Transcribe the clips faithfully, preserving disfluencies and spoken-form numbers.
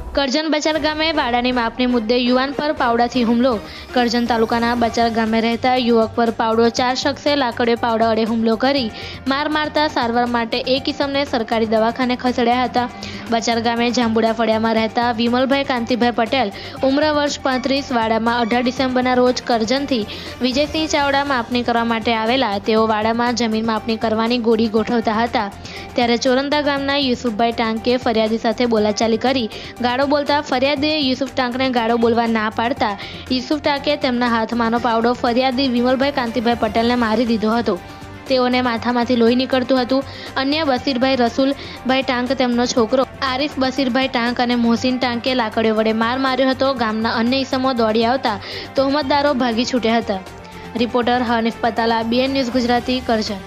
કરજણ બચાર ગામે વાડાની માપની મુદ્દે યુવાન પર પાવડાથી હુમલો। કરજણ તાલુકાના બચાર ગામે રહેતા યુવક પર પાવડો ચાર શખ્સે લાકડીએ પાવડા વડે હુમલો કરી માર મારતા સારવાર માટે એક ઇસમને સરકારી દવાખાને ખસેડ્યા હતા। બચાર ગામે જાંબુડા ફળિયામાં રહેતા વિમલભાઈ કાંતિભાઈ પટેલ ઉંમર વર્ષ પાંત્રીસ વાડામાં અઢાર ડિસેમ્બરના રોજ કરજણથી વિજયસિંહ ચાવડા માપણી કરવા માટે આવેલા। તેઓ વાડામાં જમીન માપણી કરવાની ગોળી ગોઠવતા હતા ત્યારે ચોરંદા ગામના યુસુફભાઈ ટાંકે ફરિયાદી સાથે બોલાચાલી કરી ગાળો બોલતા ફરિયાદીએ યુસુફ ટાંકને ગાળો બોલવા ના પાડતા યુસુફ ટાંકે તેમના હાથમાંનો પાવડો ફરિયાદી વિમલભાઈ કાંતિભાઈ પટેલને મારી દીધો હતો। તેઓને માથામાંથી લોહી નીકળતું હતું। અન્ય બસીરભાઈ રસુલભાઈ ટાંક તેમનો છોકરો આરિફ બસીરભાઈ ટાંક અને મોહસિન ટાંકે લાકડીઓ વડે માર માર્યો હતો। ગામના અન્ય ઈસમો દોડી આવતા તહોમતદારો ભાગી છૂટ્યા હતા। Reporter Hanif Patala, BN news Gujarati, Karjan.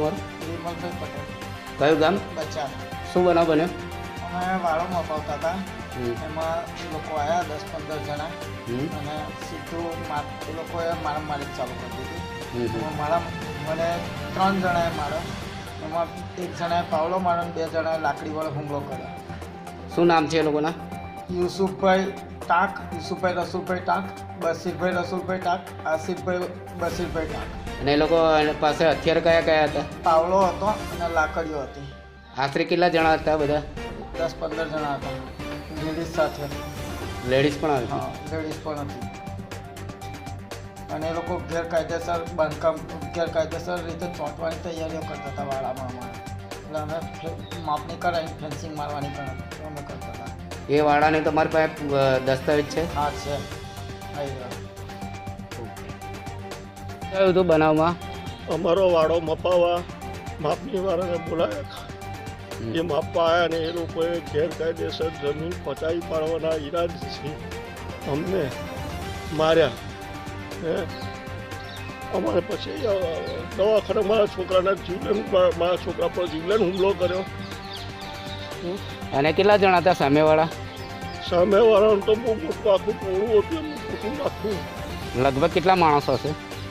કયું ગામ? બચાર। શું બનાવ બન્યો? અમે વાળો મપાવતા હતા, એમાં લોકો આવ્યા દસ પંદર જણા અને સીધું એ લોકોએ મારામારી ચાલુ કરી દીધી। એમાં મારા મને ત્રણ જણાએ માર્યો, એમાં એક જણાએ પાવડો માર્યો અને બે જણાએ લાકડી વડે હુમલો કર્યો। શું નામ છે એ લોકોના? યુસુફભાઈ ટાંક, યુસુફભાઈ રસુલભાઈ ટાંક, બસીરભાઈ રસુલભાઈ ટાંક, આસિફભાઈ બસીરભાઈ ટાંક। અને એ લોકો પાસે હથિયાર કયા કયા હતા? પાવડો હતો અને લાકડીઓ હતી। આશરે કેટલા જણા હતા બધા? દસ પંદર જણા હતા, લેડીઝ સાથે। લેડીઝ પણ આવી? હા, લેડીઝ પણ હતી। અને એ લોકો ગેરકાયદેસર બાંધકામ ગેરકાયદેસર રીતે ચોંટવાની તૈયારીઓ કરતા હતા વાડામાં અમારે, એટલે અમે માપણી કરાવી ફેન્સિંગ મારવાની પણ અમે કરતા હતા। એ વાડાને તમારી પાસે દસ્તાવેજ છે? હા છે, આવી ગયો। કયું હતું બનાવમાં? અમારો વાડો મપાવવા માપની વાળાને બોલાયા, એ માપવા આવ્યા ને એ લોકોએ ગેરકાયદેસર જમીન પચાવી પાડવાના ઈરાદથી અમને માર્યા। હે અમારે પછી દવાખાને મારા છોકરાના જીવલેણ મારા છોકરા પર જીવલેણ હુમલો કર્યો। અને કેટલા જણા હતા સામેવાળા? સામેવાળાનું તો બહુ મોટું આખું ટોળું હતું, એમનું કુટુંબ આખું। લગભગ કેટલા માણસો હશે?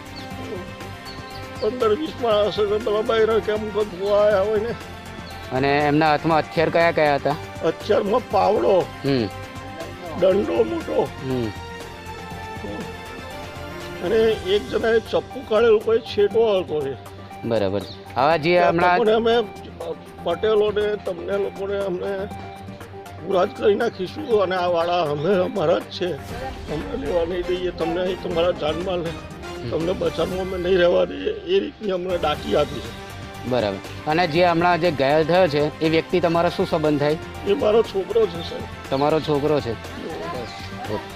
પંદર વીસ માણસ હશે, પેલા બહાર કેમ જોવા આવ્યા હોય ને। અને એમના હાથમાં હથિયાર કયા કયા હતા? હથિયારમાં પાવડો, હમ દંડો મોટો, હમ અને એક જણાએ ચપ્પુ કાઢેલું, કોઈ છેટો હતો એ। બરાબર। હવે જે હમણાં અમે પટેલોને તમને લોકોને અમને પૂરા જ કરી નાખીશું અને આ વાળા અમે અમારા જ છે, અમને લેવા નહીં દઈએ, તમને અહીં તમારા જાનમાલ તમને બચાવવું અમે નહીં રહેવા દઈએ, એ રીતની અમને ડાકી આપી છે। બરાબર। અને જે હમણાં જે ઘાયલ થયો છે એ વ્યક્તિ તમારો શું સંબંધ થાય? એ મારો છોકરો છે સાહેબ। તમારો છોકરો છે? ઓકે।